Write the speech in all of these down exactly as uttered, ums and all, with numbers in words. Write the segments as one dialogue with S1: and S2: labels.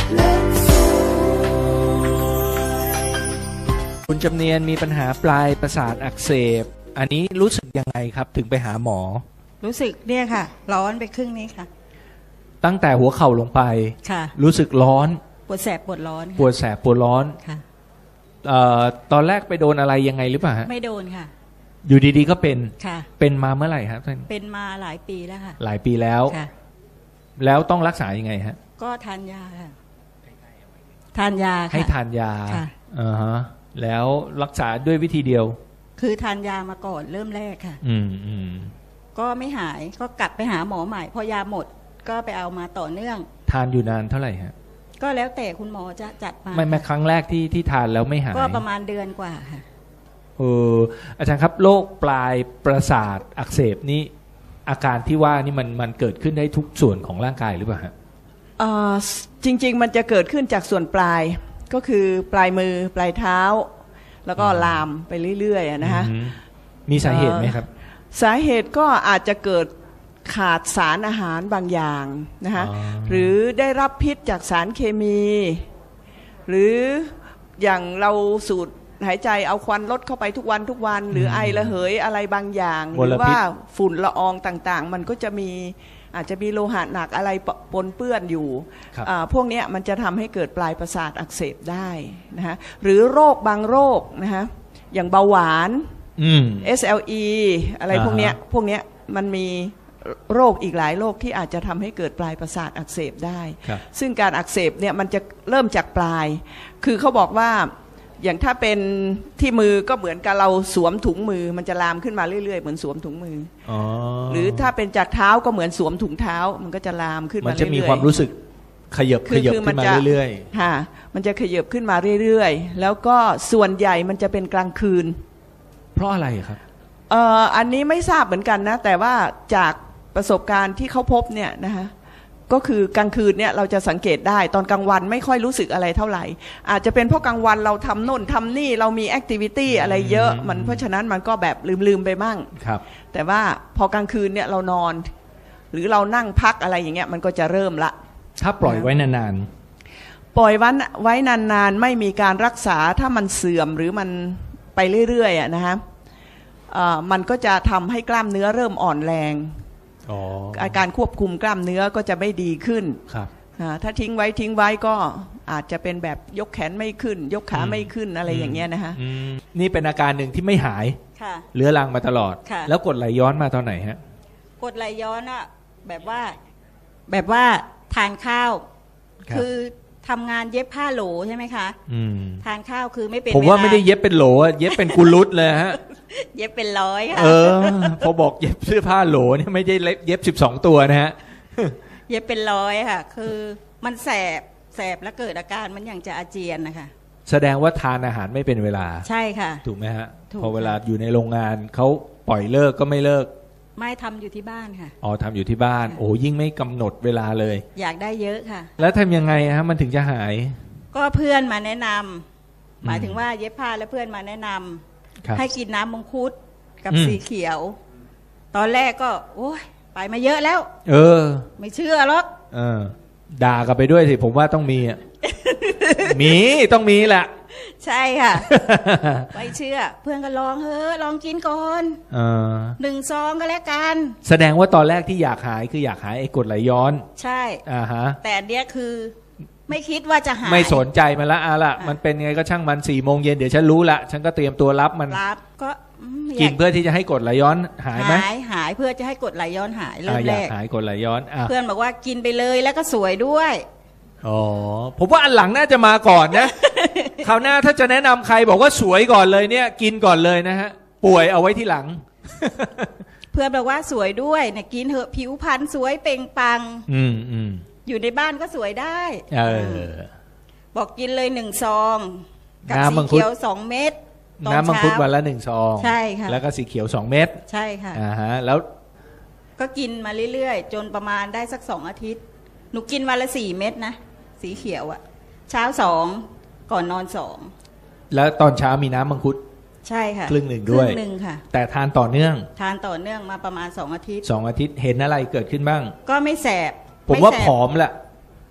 S1: คุณจำเนียนมีปัญหาปลายประสาทอักเสบอันนี้รู้สึกยังไงครับถึงไปหาหมอ
S2: รู้สึกเนี่ยค่ะร้อนไปครึ่งนี้ค่ะ
S1: ตั้งแต่หัวเข่าลงไป
S2: ค่ะ
S1: รู้สึกร้อน
S2: ปวดแสบปวดร้อน
S1: ปวดแสบปวดร้อน
S2: ค่ะ
S1: เอ่อตอนแรกไปโดนอะไรยังไงหรือเปล่าฮะ
S2: ไม่โดนค่ะ
S1: อยู่ดีๆก็เป็น
S2: ค่ะ
S1: เป็นมาเมื่อไหร่ครับท่าน
S2: เป็นมาหลายปีแล้วค่ะ
S1: หลายปีแล้ว
S2: ค่ะ
S1: แล้วต้องรักษายังไงฮะ
S2: ก็ทานยาค่ะทานยา
S1: ให้ทานยา
S2: ค่ะ
S1: อ่าฮะแล้วรักษาด้วยวิธีเดียว
S2: คือทานยามาก่อนเริ่มแรกค่ะ
S1: อืมอืม
S2: ก็ไม่หายก็กลับไปหาหมอใหม่พอยาหมดก็ไปเอามาต่อเนื่อง
S1: ทานอยู่นานเท่าไหร่ฮะ
S2: ก็แล้วแต่คุณหมอจะจัดมา
S1: ไม่แม้ครั้งแรกที่ที่ทานแล้วไม่หาย
S2: ก็ประมาณเดือนกว่าค่ะ
S1: เอออาจารย์ครับโรคปลายประสาทอักเสบนี่อาการที่ว่านี่มันมันเกิดขึ้นได้ทุกส่วนของร่างกายหรือเปล่าฮะ
S3: เอ่อจริงๆมันจะเกิดขึ้นจากส่วนปลายก็คือปลายมือปลายเท้าแล้วก็ลามไปเรื่อยๆนะฮะ
S1: มีสาเหตุไหมครับ
S3: สาเหตุก็อาจจะเกิดขาดสารอาหารบางอย่างนะคะหรือได้รับพิษจากสารเคมีหรืออย่างเราสูดหายใจเอาควันลดเข้าไปทุกวันทุกวันหรือไอระเหยอะไรบางอย่างหรือว่าฝุ่นละอองต่างๆมันก็จะมีอาจจะมีโลหะหนักอะไรปนเปื้อนอยู่พวกนี้มันจะทำให้เกิดปลายประสาทอักเสบได้นะฮะหรือโรคบางโรคนะฮะอย่างเบาหวาน เอส แอล อี อะไรพวกนี้พวกนี้มันมีโรคอีกหลายโรคที่อาจจะทำให้เกิดปลายประสาทอักเสบได้ซึ่งการอักเสบเนี่ยมันจะเริ่มจากปลายคือเขาบอกว่าอย่างถ้าเป็นที่มือก็เหมือนกับเราสวมถุงมือมันจะลามขึ้นมาเรื่อยๆเหมือนสวมถุงมืออ๋อหรือถ้าเป็นจากเท้าก็เหมือนสวมถุงเท้ามันก็จะลามขึ้นมาเรื่อยๆมันจะมีความรู้สึก
S1: ขยับขยับขึ้นมาเรื่อย
S3: ๆค่ะมันจะขยับขึ้นมาเรื่อยๆแล้วก็ส่วนใหญ่มันจะเป็นกลางคืน
S1: เพราะอะไรครับ
S3: เอ่ออันนี้ไม่ทราบเหมือนกันนะแต่ว่าจากประสบการณ์ที่เขาพบเนี่ยนะคะก็คือกลางคืนเนี่ยเราจะสังเกตได้ตอนกลางวันไม่ค่อยรู้สึกอะไรเท่าไหร่อาจจะเป็นเพราะกลางวันเราทำโน่นทำนี่เรามีแอคทิวิตี้อะไรเยอะมันเพราะฉะนั้นมันก็แบบลืมๆไปมั่ง
S1: ครับ
S3: แต่ว่าพอกลางคืนเนี่ยเรานอนหรือเรานั่งพักอะไรอย่างเงี้ยมันก็จะเริ่มละ
S1: ถ้าปล่อยไว้นาน
S3: ๆปล่อยวันไว้นานๆไม่มีการรักษาถ้ามันเสื่อมหรือมันไปเรื่อยๆอ่ะนะฮะมันก็จะทำให้กล้ามเนื้อเริ่มอ่อนแรงอาการควบคุมกล้ามเนื้อก็จะไม่ดีขึ้น
S1: ครับ
S3: ถ้าทิ้งไว้ทิ้งไว้ก็อาจจะเป็นแบบยกแขนไม่ขึ้นยกขาไม่ขึ้นอะไรอย่างเงี้ยนะฮะ
S1: นี่เป็นอาการหนึ่งที่ไม่หายเรื้อรังมาตลอดแล้วกดไหลย้อนมาตอนไหนฮะ
S2: กดไหลย้อนอะแบบว่าแบบว่าทานข้าวคือทำงานเย็บผ้าโหลใช่ไหมคะทานข้าวคือไม่เป็น
S1: ผมว่าไม่ได้เย็บเป็นโหลเย็บเป็นกุลุตเลยฮะ
S2: เย็บเป็นร้อยค่ะ
S1: เออพอบอกเย็บเสื้อผ้าโหลเนี่ยไม่ได้เย็บสิบสองตัวนะฮะ
S2: เย็บเป็นร้อยค่ะคือมันแสบแสบแล้วเกิดอาการมันอย่างจะอาเจียนนะคะ
S1: แสดงว่าทานอาหารไม่เป็นเวลา
S2: ใช่ค่ะ
S1: ถูกไหมฮะพอเวลาอยู่ในโรงงานเขาปล่อยเลิกก็ไม่เลิก
S2: ไม่ทำอยู่ที่บ้านค่ะ
S1: อ๋อทำอยู่ที่บ้านโอ้ยิ่งไม่กำหนดเวลาเลย
S2: อยากได้เยอะค่ะ
S1: แล้วทำยังไงฮะมันถึงจะหาย
S2: ก็เพื่อนมาแนะนำหมายถึงว่าเย็บผ้าแล้วเพื่อนมาแนะนำให้กินน้ำมังคุดกับสีเขียวตอนแรกก็โอ้ยไปมาเยอะแล้ว
S1: เออ
S2: ไม่เชื่อหรอก
S1: เออด่ากลับไปด้วยสิผมว่าต้องมีอ่ะ มีต้องมีแหละ
S2: ใช่ค่ะ ไม่เชื่อเพื่อนก็ลองเฮ้อลองกินก่อนหนึ่งซองก็แล้วกัน
S1: แสดงว่าตอนแรกที่อยากหายคืออยากหายไอ้กรดไหลย้อน
S2: ใช่
S1: อ่าฮะ
S2: แต่อันเนี้ยคือไม่คิดว่าจะหาย
S1: ไม่สนใจมันละอ่ะละมันเป็นไงก็ช่างมันสี่โมงเย็นเดี๋ยวฉันรู้ละฉันก็เตรียมตัวรับมัน
S2: รับก็
S1: กินเพื่อที่จะให้กรดไหลย้อนหายไหม
S2: หายหายเพื่อจะให้กรดไหลย้อนหายเริ่มแรก
S1: หายกรดไหลย้อน
S2: เพื่อนบอกว่ากินไปเลยแล้วก็สวยด้วย
S1: อ๋อผมว่าอันหลังน่าจะมาก่อนนะคราวหน้าถ้าจะแนะนำใครบอกว่าสวยก่อนเลยเนี่ยกินก่อนเลยนะฮะป่วยเอาไว้ที่หลัง
S2: เพื่อนบอกว่าสวยด้วยเนี่ยกินเถอะผิวพรรณสวยเปล่งปลั่ง
S1: อืมอืม
S2: อยู่ในบ้านก็สวยได้
S1: เออ
S2: บอกกินเลยหนึ่งซองกับสีเขียวสองเม็ด
S1: น้ำมังคุดวันละหนึ่งซอง
S2: ใช่ค่ะ
S1: แล้วก็สีเขียวสองเม็ด
S2: ใช่ค่ะ
S1: อ่าฮะแล้ว
S2: ก็กินมาเรื่อยๆจนประมาณได้สักสองอาทิตย์หนูกินวันละสี่เม็ดนะสีเขียวอะเช้าสองก่อนนอนสอง
S1: แล้วตอนเช้ามีน้ำมังคุด
S2: ใช่ค่ะ
S1: ครึ่งหนึ่งด้วย
S2: ครึ่งหนึ่งค่ะ
S1: แต่ทานต่อเนื่อง
S2: ทานต่อเนื่องมาประมาณสองอาทิตย์
S1: สองอาทิตย์เห็นอะไรเกิดขึ้นบ้าง
S2: ก็ไม่แสบ
S1: ผมว่าผอมแหละ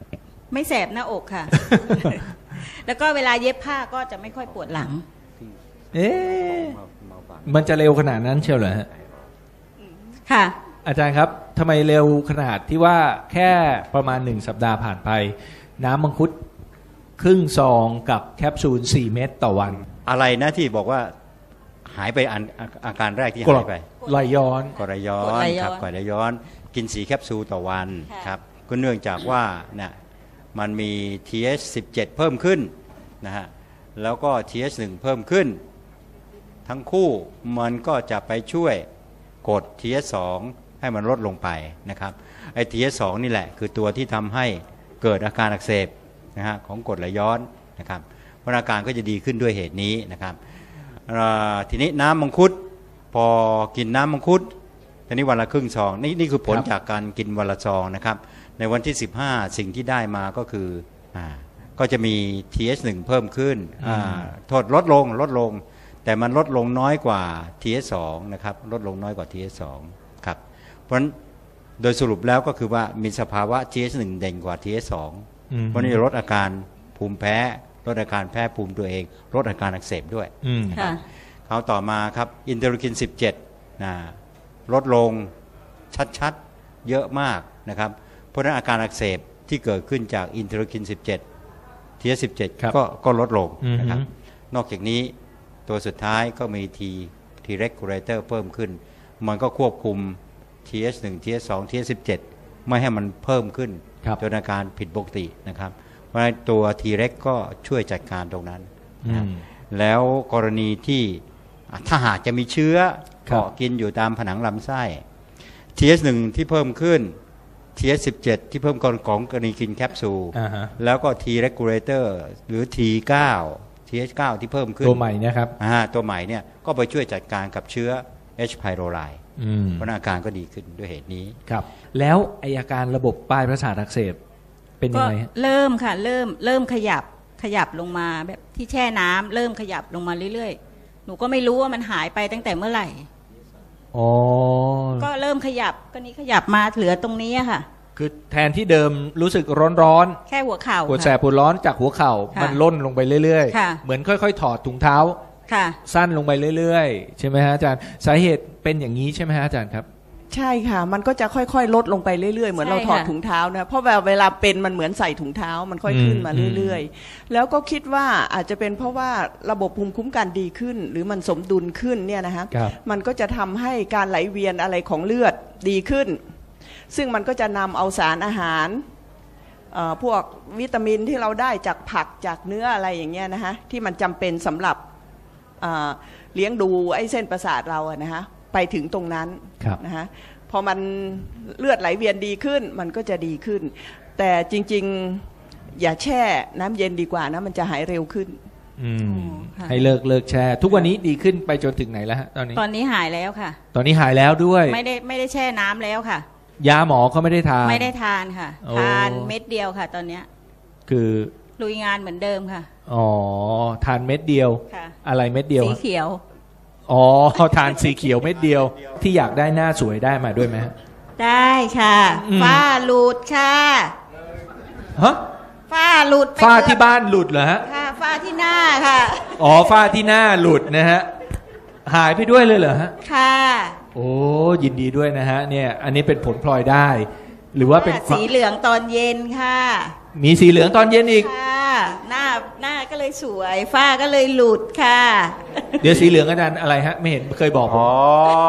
S2: ไม่แสบหน้าอกค่ะ แล้วก็เวลาเย็บผ้าก็จะไม่ค่อยปวดหลัง
S1: เอ๊ะมันจะเร็วขนาดนั้นเชียวเหรอฮะ
S2: ค่ะ
S1: อาจารย์ครับทำไมเร็วขนาดที่ว่าแค่ประมาณหนึ่งสัปดาห์ผ่านไปน้ำมังคุดครึ่งซองกับแคปซูลสี่เม็ดต่อวัน
S4: อะไรนะที่บอกว่าหายไปอันอาการแรกที่หายไป
S1: ไหลย้อน
S4: กรดไหลย้อนครับกรดไหลย้อนกินสีแคปซูลต่อวันครับก็เนื่องจากว่าเนี่ยมันมี ที เอช สิบเจ็ด เพิ่มขึ้นนะฮะแล้วก็ ที เอช หนึ่ง เพิ่มขึ้นทั้งคู่มันก็จะไปช่วยกด ที เอช สอง ให้มันลดลงไปนะครับไอ้ ที เอช สอง นี่แหละคือตัวที่ทำให้เกิดอาการอักเสบนะฮะของกรดไหลย้อนนะครับเพราะอาการก็จะดีขึ้นด้วยเหตุนี้นะครับทีนี้น้ำมังคุดพอกินน้ำมังคุดทีนี้วันละครึ่งซองนี่นี่คือผลจากการกินวันละซองนะครับในวันที่สิบห้าสิ่งที่ได้มาก็คืออ่าก็จะมี ที เอช หนึ่ง เพิ่มขึ้นโทษลดลงลดลงแต่มันลดลงน้อยกว่า ที เอช สอง นะครับลดลงน้อยกว่า ที เอช สอง ครับเพราะฉะนั้นโดยสรุปแล้วก็คือว่ามีสภาวะ ที เอช หนึ่ง เด่นกว่า ที เอช สอง เพราะนี่ลดอาการภูมิแพ้ลดอาการแพ้ภูมิตัวเองลดอาการอักเสบด้วยคราวต่อมาครับอินเตอร์คินสิบเจ็ดนะลดลงชัดๆเยอะมากนะครับเพราะฉะนั้นอาการอักเสบที่เกิดขึ้นจากอินเตอร์คินสิบเจ็ด ที เอช สิบเจ็ด ก็ก็ลดลงนะครับนอกจากนี้ตัวสุดท้ายก็มี T T regulator เพิ่มขึ้นมันก็ควบคุม ที เอช หนึ่ง ที เอช สอง ที เอช สิบเจ็ด ไม่ให้มันเพิ่มขึ้นจนอาการผิดปกตินะครับเพราะฉะนั้นตัว T reg ก็ช่วยจัดการตรงนั้นนะแล้วกรณีที่ถ้าหากจะมีเชื้อเกาะกินอยู่ตามผนังลำไส้ ที เอช หนึ่ง ที่เพิ่มขึ้น ที เอช สิบเจ็ด ที่เพิ่มก่อนของกรณีกินแคปซูลแล้วก็ T regulator หรือ ที เก้า ที เอช เก้า ที่เพิ่มขึ้น
S1: ตัวใหม่นะครับ
S4: ตัวใหม่เนี่ยก็ไปช่วยจัดการกับเชื้อ H. pylori เพราะอาการก็ดีขึ้นด้วยเหตุนี้
S1: ครับแล้วไออาการระบบปลายประสาทอักเสบเป็นยังไง
S2: เริ่มค่ะเริ่มเริ่มขยับขยับลงมาแบบที่แช่น้ำเริ่มขยับลงมาเรื่อยๆหนูก็ไม่รู้ว่ามันหายไปตั้งแต่เมื่อไหร่
S1: อ๋อ
S2: ก็เริ่มขยับก็นี้ขยับมาเหลือตรงนี้ค่ะ
S1: คือแทนที่เดิมรู้สึกร้อน
S2: ๆแค่หัวเข่า
S1: ปวดแสบปวดร้อนจากหัวเข่ามันล่นลงไปเรื่อยๆเหมือนค่อยๆถอดถุงเท้าสั้นลงไปเรื่อยๆใช่ไหมฮะอาจารย์สาเหตุเป็นอย่างนี้ใช่ไหมฮะอาจารย์ครับ
S3: ใช่ค่ะมันก็จะค่อยๆลดลงไปเรื่อยๆเหมือนเราถอดถุงเท้านะเพราะเวลาเป็นมันเหมือนใส่ถุงเท้ามันค่อยขึ้นมาเรื่อยๆแล้วก็คิดว่าอาจจะเป็นเพราะว่าระบบภูมิคุ้มกันดีขึ้นหรือมันสมดุลขึ้นเนี่ยนะฮะมันก็จะทำให้การไหลเวียนอะไรของเลือดดีขึ้นซึ่งมันก็จะนำเอาสารอาหารพวกวิตามินที่เราได้จากผักจากเนื้ออะไรอย่างเงี้ยนะฮะที่มันจำเป็นสำหรับเลี้ยงดูไอ้เส้นประสาทเราอะนะฮะไปถึงตรงนั้นนะฮะพอมันเลือดไหลเวียนดีขึ้นมันก็จะดีขึ้นแต่จริงๆอย่าแช่น้ำเย็นดีกว่านะมันจะหายเร็วขึ้น
S1: ให้เลิกเลิกแช่ทุกวันนี้ดีขึ้นไปจนถึงไหนแล้วฮะตอนนี้
S2: ตอนนี้หายแล้วค่ะ
S1: ตอนนี้หายแล้วด้วย
S2: ไม่ได้ไม่ได้แช่น้ำแล้วค่ะ
S1: ยาหมอก็ไม่ได้ทาน
S2: ไม่ได้ทานค่ะทานเม็ดเดียวค่ะตอนเนี้ย
S1: คือ
S2: ลุยงานเหมือนเดิมค่ะ
S1: อ๋อทานเม็ดเดียวอะไรเม็ดเดียว
S2: สีเขียว
S1: อ๋อทานสีเขียวเม็ดเดียวที่อยากได้หน้าสวยได้มาด้วยไหม
S2: ได้ค่ะฝ้าหลุดค่ะ
S1: ฮะ
S2: ฝ้าหลุด
S1: ฝ้าที่บ้านหลุดเหรอฮะ
S2: ค่ะฝ้าที่หน้าค่ะ
S1: อ๋อฝ้าที่หน้าหลุดนะฮะหายไปด้วยเลยเหรอฮะ
S2: ค่ะ
S1: โอ้ยินดีด้วยนะฮะเนี่ยอันนี้เป็นผลพลอยได้หรือว่าเป็น
S2: สีเหลืองตอนเย็นค่ะ
S1: มีสีเหลืองตอนเย็นอีก
S2: ค่ะหน้าหน้าก็เลยสวยฝ้าก็เลยหลุดค่ะ
S1: เดี๋ยวสีเหลืองอาจารย์อะไรฮะไม่เห็นเคยบอก
S4: อ๋อ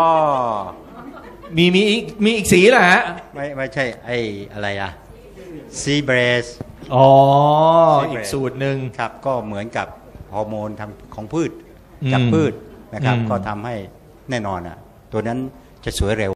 S1: มีมีอีกมีอีกสีเหรอฮะ
S4: ไม่ไม่ใช่ไอ้อะไรอะซีเบรส
S1: อ๋ออีกสูตรหนึ่ง
S4: ครับก็เหมือนกับฮอร์โมนทางของพืชจากพืชนะครับก็ทำให้แน่นอนอ่ะตัวนั้นจะสวยเร็ว